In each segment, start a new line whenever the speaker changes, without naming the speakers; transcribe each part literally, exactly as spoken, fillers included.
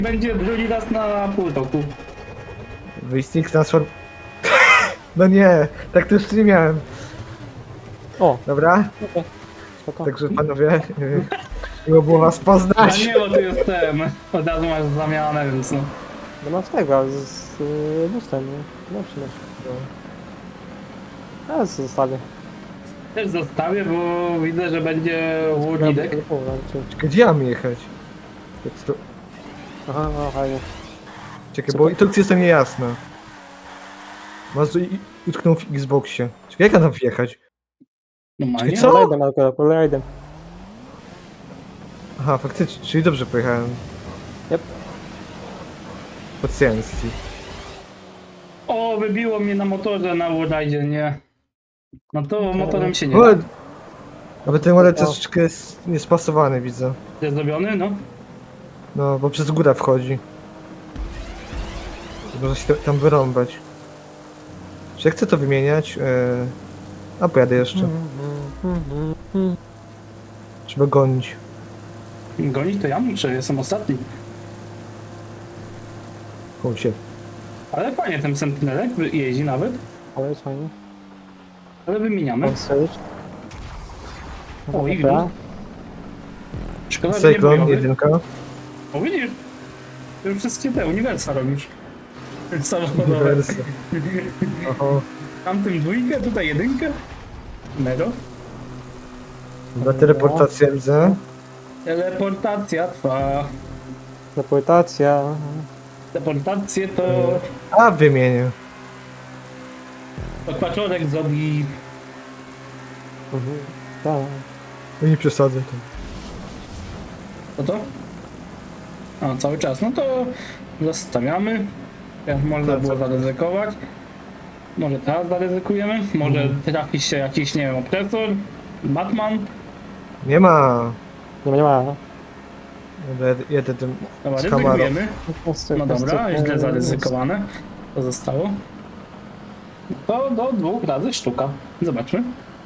będzie drugi raz na pół roku.
Wyścig transform... No nie, tak to jeszcze nie miałem.
O,
Dobra?
okej. Spoko.
Także panowie, yy, miło było was
A
poznać.
nie, bo tu jestem. Od razu masz zamianę, więc no.
No mam z tego, z, z y, bustem, nie? No przecież. A, zostawię.
Też zostawię, bo widzę, że będzie łódnik.
Gdzie mam jechać? Jak to...
Aha, no fajnie.
Czekaj, bo instrukcja jest niejasna. Mazu i- utknął w Xboxie. Czekaj, jak ja tam wjechać?
Normalnie.
Co?
Rajdem, akurat, rajdem.
Aha, faktycznie, czyli dobrze pojechałem.
Yep.
Pacjencji.
O, wybiło mnie na motorze na Warridzie, nie. No to motorem się nie
O,
da.
ale ten ładek
O.
troszeczkę jest niespasowany, widzę.
Jest zrobiony, no.
No, bo przez górę wchodzi. Można się tam wyrąbać. Czy ja chcę to wymieniać? Eee... A pojadę jeszcze. Trzeba gonić.
Gonić to ja muszę, jestem ostatni.
O się.
Ale fajnie ten Sentinelek jeździ nawet.
Ale jest fajnie.
Ale wymieniamy.
Mam strzelić.
O, i
Dobra.
Szkoda, że nie
Cyklon,
bojowy.
jedynka.
O, widzisz? Już wszystkie te uniwersa robisz. Samochodowe.
Uniwersy. Oho.
Tamtym dwójkę, tutaj jedynkę. Mego.
Dobra, teleportacja widzę.
Teleportacja trwa.
Deportacja.
Teleportację to...
A, wymienię.
To Kwaczorek zrobi...
Mhm. Tak.
No nie przesadzę to.
Co to? A, cały czas. No to zostawiamy. Jak można
Tak,
było
cały czas.
zaryzykować. Może teraz zaryzykujemy. Może
Mhm.
trafi się jakiś, nie wiem, opresor. Batman.
Nie ma.
Nie ma, nie ma.
Dobra, jed- jedę tym
Dobra,
z kamerą.
ryzykujemy. No dobra, źle zaryzykowane. To zostało. To do dwóch razy sztuka. Zobaczmy.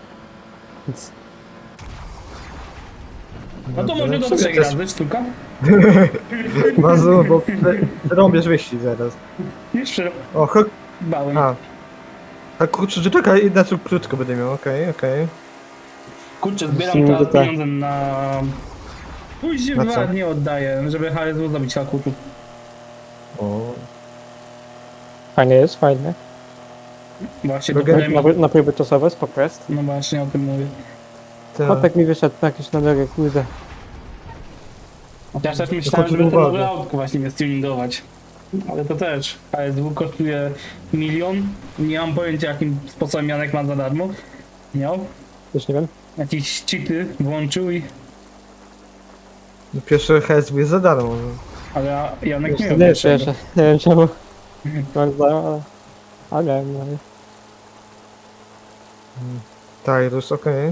No to może do
w sumie
trzech
to jest-
razy sztuka.
Mazu, bo rąbiesz wyścig zaraz.
Już
O, ho...
bałem.
A. A kurczę, że czekaj, inaczej krótko będę miał, okej, okej.
Kurczę, zbieram
Musimy
teraz
tutaj-
pieniądze na... Później
Na co?
ładnie oddaję, żeby H S W zabić Hakutu.
O.
Fajnie jest, fajnie.
Właśnie to
Droga-
powiem...
Na, na próby czasowe, spoko jest.
No właśnie o tym mówię.
Tak.
Chłopak mi wyszedł jakiś na drogę, kurde.
Chociaż też myślałem,
chodzi
żeby
o
ten
uwagę.
nowy autko właśnie nie stuningować. Ale to też. H S W kosztuje milion. Nie mam pojęcia jakim sposobem Janek ma za darmo. Miał.
Już nie wiem.
Jakieś cheaty włączył i...
No pierwsze H S W jest za darmo. no.
Ale ja- Janek
Już
nie
nie
miał
wiem,
pierwszego.
jeszcze. Nie wiem czemu. Mam zdają, ale... Ale miałem, no.
Tyrus, okej.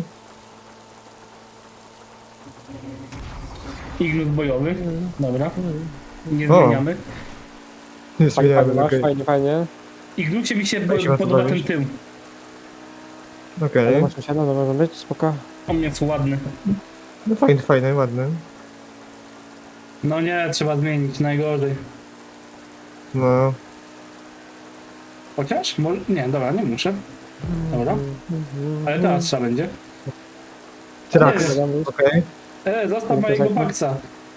Ignus bojowy. Dobra. Nie
O.
zmieniamy.
Nie
Fajnie,
zmieniamy,
fajnie masz,
okej.
fajnie, fajnie.
Ignusie mi się
Jak się ma to
podoba ten
bawić?
tył.
Okej.
Ale masz się, no to może być, spoko.
On jest ładny.
No fajny, fajny, ładny.
No nie, trzeba zmienić, najgorzej.
No.
Chociaż? Może... Nie, dobra, nie muszę. Dobra. Ale teraz trzeba będzie.
Trax,
Nie.
okej.
E, zostaw
No to
mojego
tak, no.
baksa.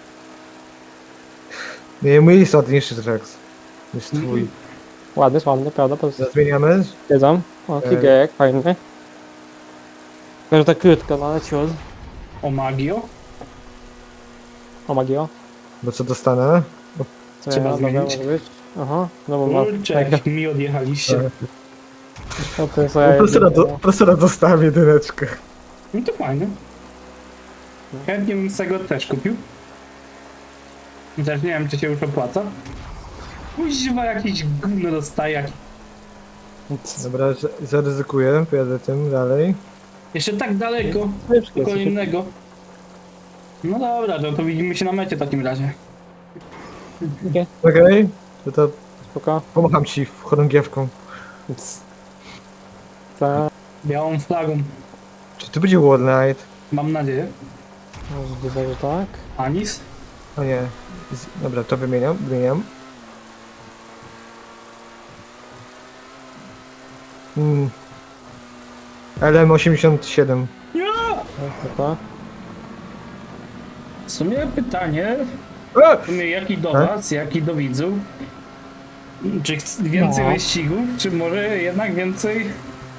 Nie, mój jest ładniejszy Trax. Jest twój.
Ładny, ładny, prawda? Po prostu
Zmieniamy?
jedzą. O, kigerek, fajny. Tylko, że tak krótko, no ale ciut.
O magio.
O, magio.
Bo co dostanę?
Co
Trzeba
ja, dobra,
zmienić.
może być. Aha, no bo ma...
Kurczę,
tak,
jak mi odjechaliście.
no to jest ja
Profesora, do,
jedynie,
profesora dostałem jedyneczkę.
No to fajne. Chętnie bym z tego też kupił. Chociaż nie wiem, czy się już opłaca. Kuźwa, jakiś gówno dostaje. Jak...
no.
Dobra, z- zaryzykuję, pojadę tym dalej.
Jeszcze tak daleko
Ciężkie
do
jest,
kolejnego. No dobra, to, to widzimy się na mecie w takim razie.
Okej, to to
spoko.
pomacham ci chorągiewką.
Tak,
Białą flagą.
Czy tu będzie World Night?
Mam nadzieję.
możliwe, że tak.
Anis.
O nie. Z... Dobra, to wymieniam, wymieniam. Mm. L M osiemdziesiąt siedem.
Nie!
Dobra.
W sumie pytanie,
E!
w sumie jaki do
Tak?
was, jaki do widzów? Czy chc- więcej
No.
wyścigów, czy może jednak więcej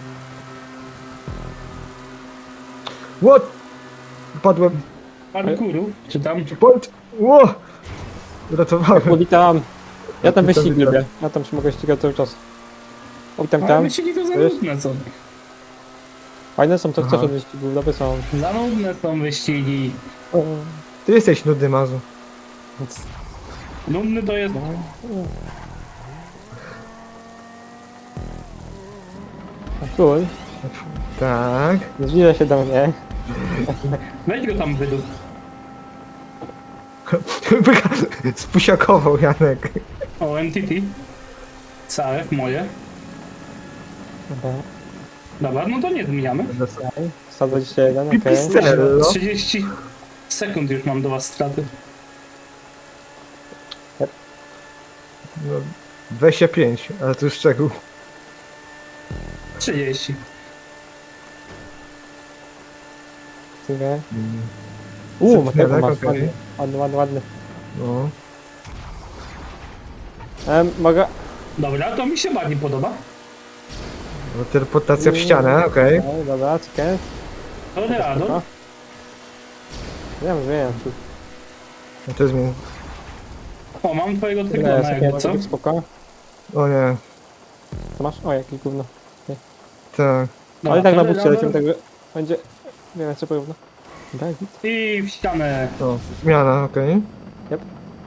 What? Padłem.
parkurów, czy tam?
Point. Ło! Uratowałem.
O, witam. Ja tam
Witam,
wyścig
witam.
lubię. Ja tam się mogę ścigać cały czas. O, witam
Ale
tam.
wyścigi to za
Wiesz?
nudne są.
Fajne są, to chcesz
Aha.
od wyścigów, dobre są.
Za nudne są wyścigi.
O,
Ty jesteś nudny, Mazu.
więc-
Nudny to jest...
A Król,
Tak.
nie zbliża się do mnie.
Weź go tam wydup.
Spusiakował Janek.
O, N T T. C F moje.
Dobra,
Dobra, no to nie zmieniamy.
okej. sto dwadzieścia jeden, okej.
Pipistrello.
trzydzieści sekund już mam do was straty.
No, dwadzieścia pięć, ale to już szczegół.
trzydzieści.
Okay. Uuu,
Sentinelek,
Mateo masz,
okej.
ładny, ładny, ładny, ładny.
No.
Em, mogę...
Dobra, to mi się bardziej podoba.
No, teleportacja w ścianę, okej.
Okay. Dobra, czekaj.
Toreado.
Spoko. Wiem, wiem. tu-
No to jest mi...
O, mam twojego
Ile
tygrona
jest,
jakby,
okej,
co?
okay, spoko.
O nie.
To masz? O, jakie gówno.
Tak.
Dobra,
Ale tak na
Toreado.
bucie lecimy, także będzie... Nie wiem, co porówno. Tak, git.
I w ścianę.
O, zmiana, okej.
Yep.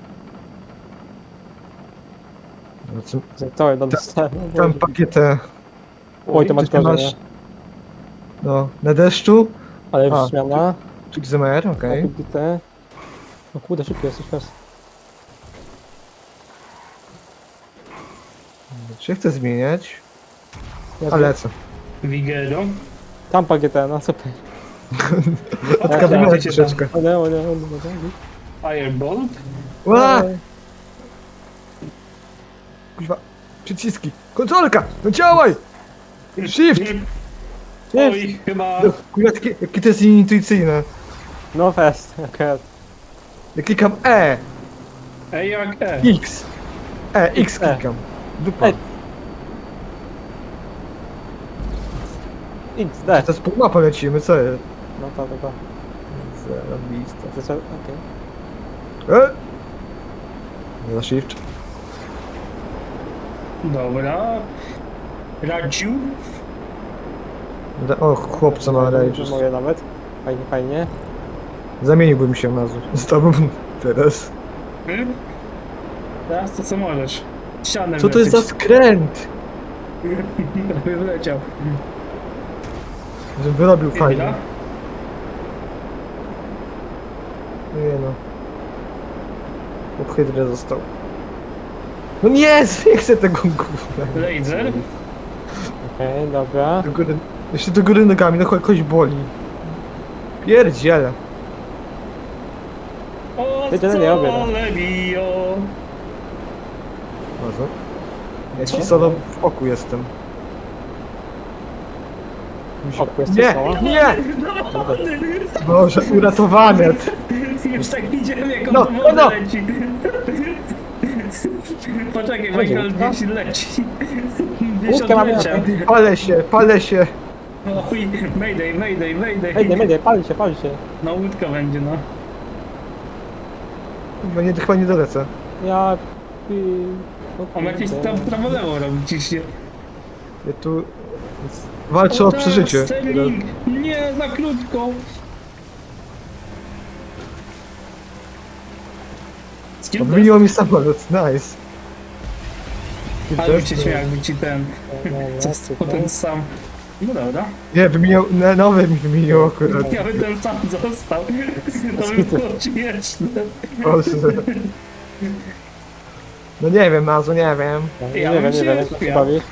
No, co-
To no dostałem.
Tam pakietę.
Oj, to
Czy
masz
ty
gorzej,
masz-
nie?
No, na deszczu.
Ale
A.
już zmiana.
Czy X M R, okej.
Okay. Bite. No kurde, szybko jesteś teraz.
Czy ja chcę zmieniać?
Ja
Ale co?
Vigero.
Tam P G T, no super.
Odkabinę
Dajcie tam.
troszeczkę.
O nie, o nie, o nie, o nie.
Firebolt.
Ła!
Ej,
Kuźwa. Przyciski. Kontrolka! No działaj! Shift!
Oj, chyba...
No, Kuźwa, jakie, jakie to jest intuicyjne.
No fest, okej.
Ja klikam E,
E jak E.
X. E, X
E.
klikam. Dupa.
Ej. X, D.
To z półmapą lecimy, co jest?
No to, to, to.
Zarobiste.
To co, okej.
E! Nie za shift.
Dobra. Radziu.
Da- O, chłopca ma rage.
Moje nawet. Fajnie, fajnie.
Zamieniłbym się na z tobą teraz.
Hmm? Teraz to co możesz. Ścianę
Co to jest za
wlecieć.
skręt?
Prawie wleciał.
Żebym wyrobił
Chwila.
fajnie. Nie no. Pod hydrę został. No nie, nie chcę tego gówna.
Laser.
Okej, dobra.
Do góry, jeszcze do góry nogami, no cho- kogoś boli. Pierdziele.
O,
Wiedziałem, nie robię, no.
sole bio.
Bardzo. Ja
Co?
ci solo w oku jestem. Musi-
Oku jesteś
Nie,
solo?
nie!
Dowody.
Boże, uratowany.
Już tak widziałem jak on
No,
do
no,
wody
no.
leci. Poczekaj,
Będzie
Michael
łódka?
gdzieś leci. Gdzieś
Łódkę mamy.
odleciał.
Palę się, palę się.
Oj, mayday, mayday, mayday.
Ej, ej, pali się, pali się.
No łódka będzie, no.
Chyba nie, chyba nie dolecę.
Ja... pi- o
On jakieś
kurde.
tam prawo-lewo robi ciśnie.
Ja tu walczę o
tak,
przeżycie.
Sterling! Nie, za krótko! Z kim to
Odmieniło mi samolot, nice.
Ale bym się śmiał, jakby ci ten...
Dobra,
Został
tutaj.
ten sam. No dobra.
Nie, wymieniał, no, nowy mi wymienił akurat.
Ja bym ten sam został. To by było śmieszne.
Boże. No nie wiem, Mazu, nie wiem.
Nie
Ja
wiem,
bym
nie
się
wiem, jak to się
śmiał.
bawi.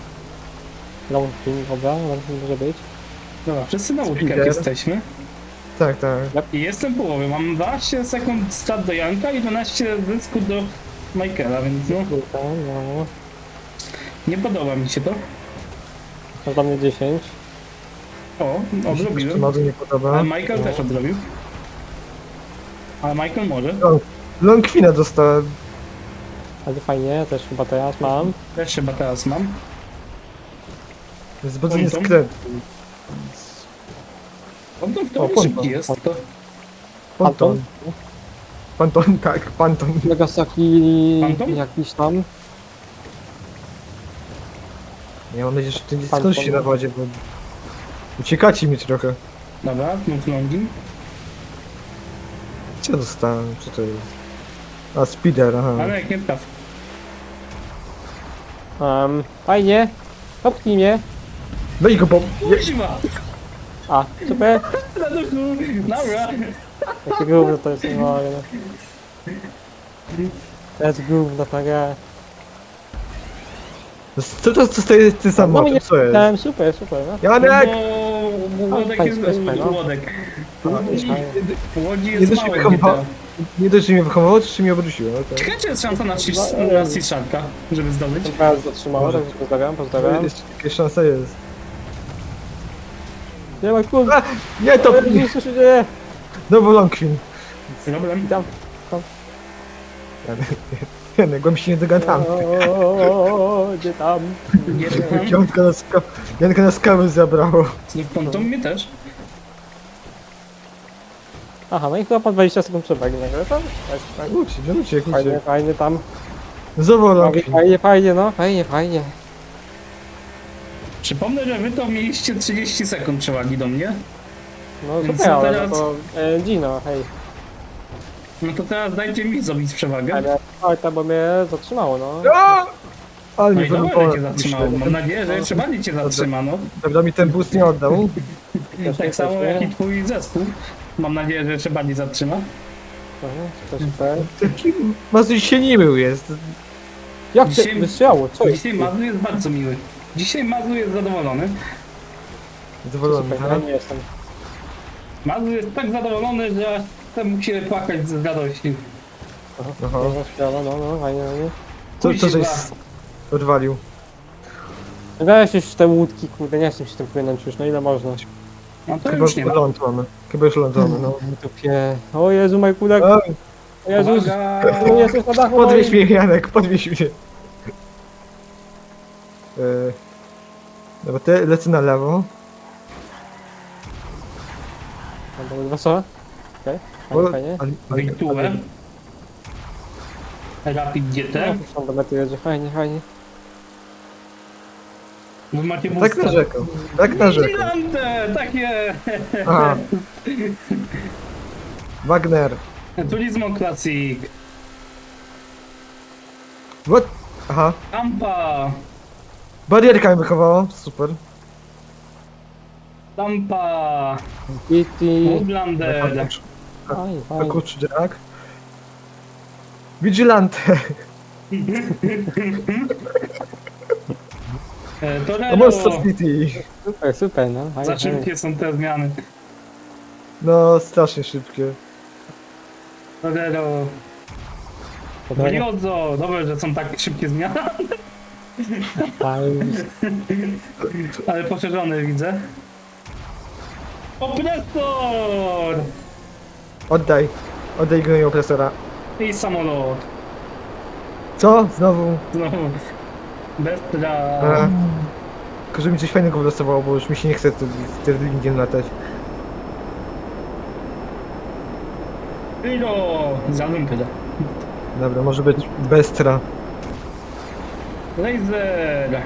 Long pin, dobra, long pin może być.
Dobra, wszyscy na łódkach
Speeder.
jesteśmy.
Tak, tak.
I jestem w połowie, mam dwanaście sekund start do Janka i dwanaście zysku do Michaela, więc no,
Kurka, no.
nie podoba mi się to.
To dla mnie dziesięć.
O,
Mi się
odrobiłem.
bardzo nie
Ale
podoba.
Michael też odrobił. Ale Michael może.
Longquina dostałem.
Ale fajnie, też chyba teraz mam.
Też chyba teraz mam.
Jest bardzo
Ponton?
nieskrętny.
On to w
O,
teorii
Ponton.
szybki jest. To
Panton. Panton, tak, Panton.
Nagasaki
Phantom?
jakiś tam.
Ja mam nadzieję, że ty nie
Panton.
skończysz się na wodzie, bo uciekacie mi trochę.
dobra, znów longin.
Co ja dostałem? Co to jest? A, speeder, aha.
Ale jak nie traf.
Um, fajnie. Popchnij mnie.
Weź go, bo... Je...
Kuźwa!
A, super.
Na duchu! Dobra!
Jakie gówno to jest, nie mogę. no. To jest gówno ta gra.
Co to zostaje ty
No
samochód?
mnie
Co jest?
dałem, super, super. No.
Janek!
Bo Łodek
Fajnie,
jest...
fajnie, no.
Łodek.
A,
W Łodzi
Nie
jest
dość,
mało
że
G
mnie
T A.
wychowało, nie dość, że mnie wychowało, to jeszcze mnie obróciło. Okay.
Ciekawe, czy jest szansa na Cis-
No,
na
e,
Cisharka, żeby zdobyć?
Ten teraz zatrzymało, także pozdrawiam, pozdrawiam.
Jeszcze jakaś szansa jest.
Nie ma kurwa.
A, nie, to...
Nie, co się dzieje?
Znowu Longquin.
Problem.
Tam.
Janek, bo mi się nie dogadamy.
O, gdzie tam?
Nie wiem.
Janka na, ska... Janka na skały zabrało.
Znów ponton mnie też.
Aha, no i chyba po dwadzieścia sekund przewagi nagle, tak? Tak, tak.
Uciek, no uciek,
Fajnie,
uciek.
fajnie tam.
Znowu
Fajnie,
Longquin.
fajnie, fajnie, no. Fajnie, fajnie.
Przypomnę, że wy to mieliście trzydzieści sekund przewagi do mnie.
No
Więc
super, ale
teraz-
no to e, Gino, hej.
No to teraz dajcie mi zrobić przewagę.
Ale farta, bo mnie zatrzymało, no.
A! Ale
No
mi
i dobra, że
wybuchło.
cię zatrzymało. Mam nadzieję, że jeszcze bardziej cię zatrzyma, no.
Prawda mi ten boost nie oddał.
Też
Tak
nie,
samo
też nie.
jak i twój zespół. Mam nadzieję, że jeszcze bardziej zatrzyma.
Mhm, super, super.
Taki Mazuś się nie mył jest.
Jak
Dzisiaj-
cię wystrzelało? Co jest?
Dzisiaj Mazu jest bardzo miły. Dzisiaj Mazu jest zadowolony.
Zadowolony,
Super,
tak?
ja nie jestem.
Mazu jest tak zadowolony, że chce mu się płakać z radości.
Aha,
Aha.
dobra, śpiewa, no, no, fajnie, fajnie.
Co, co żeś
Kuźwa.
odwalił?
Weź już te łódki, kurde, nie chcę się tym płynąć już, no ile można?
No to
Chyba
już nie ma.
ląd mamy. Chyba już ląd mamy, no.
Dupie. O Jezu, Majkulek,
A,
o Jezus,
Uwaga!
tu jesteś na dachu
podwieź
moim.
mnie, Janek, podwieź mnie. E, Dobra, te lecę na lewo.
No dobra, co? Okej,
Bo-
fajnie, fajnie.
ale- ale-
Wejtułę. Rapid G
No,
T.
już tam do mety jedzie, fajnie, fajnie.
Wy macie
Tak
boosta.
narzekał. Tak narzekał.
Vigilante! Takie!
Aha. Wagner.
Turismo Classic.
What? Aha.
Tampa.
Barierka mi wychowała. Super.
Tampa.
Kitty.
Woodlander.
Fajnie, fajnie.
Kurczę, Jack. Vigilante.
E,
A
Torero.
Monster City.
Super, super, no. Fajnie,
Za
fajnie.
szybkie są te zmiany.
No, strasznie szybkie.
Torero.
Dobra,
Briozo. Dobrze, że są tak szybkie zmiany,
fajnie.
ale poszerzone widzę. Opresor!
Oddaj. Oddaj gnoju opresora.
I samolot.
Co? Znowu?
Znowu. Bestra.
A. Tylko, że mi coś fajnego wylosowało, bo już mi się nie chce z Sterlingiem latać.
Hero. Zalum tyle.
Dobra, może być Bestra.
Laser.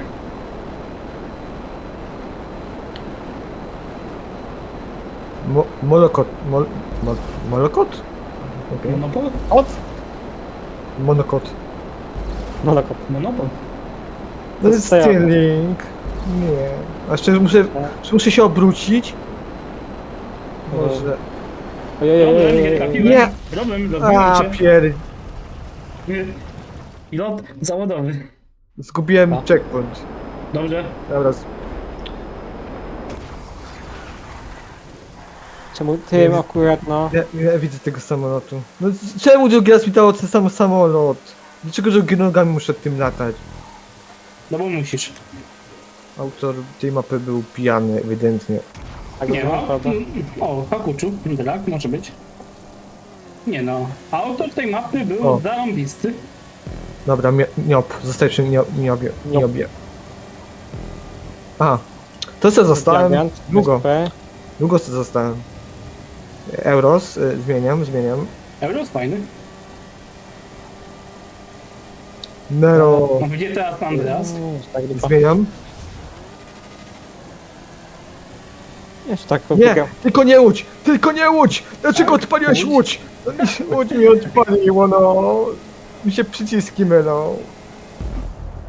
Mo molokot. Mol mol molokot? Okej.
Monopol?
Od?
Monokot.
Monokop.
Monopol.
To jest
co ja-
Sterling. Nie. A szczerze muszę, muszę się obrócić. Może.
Ojej, ojej,
Problem, nie
ojej, ojej.
trafiłem.
Nie.
Problem,
A,
rozbiłem cię.
pier...
Pilot zawodowy.
Zgubiłem
A.
checkpoint.
Dobrze.
Dobra.
Czemu tym akurat, no.
Ja, ja widzę tego samolotu. No c- czemu drugi raz mi dało ten sam samolot? Dlaczego drugi nogami muszę tym latać?
No bo musisz.
Autor tej mapy był pijany, ewidentnie.
Tak,
Nie
no,
no.
prawda.
O, Hakuczu, tak, może być. Nie no, autor tej mapy był
O.
zarąbisty.
Dobra, mio- niop, zostaj przy nio- niobie.
Niop.
niobie. Aha, to co zostałem?
Diagant,
Długo,
S P.
długo co zostałem. Euros, y, zmieniam, zmieniam.
Euros fajny.
Nero,
No gdzie teraz Andreas?
Mm, tak dupa.
zmieniam.
Jeszcze tak
Nie,
popykam.
tylko nie łódź, tylko nie łódź! Dlaczego
Tak?
odpaliłeś
Łódź?
łódź? No, mi się- łódź mi odpaliło, no. Mi się przyciski mylą.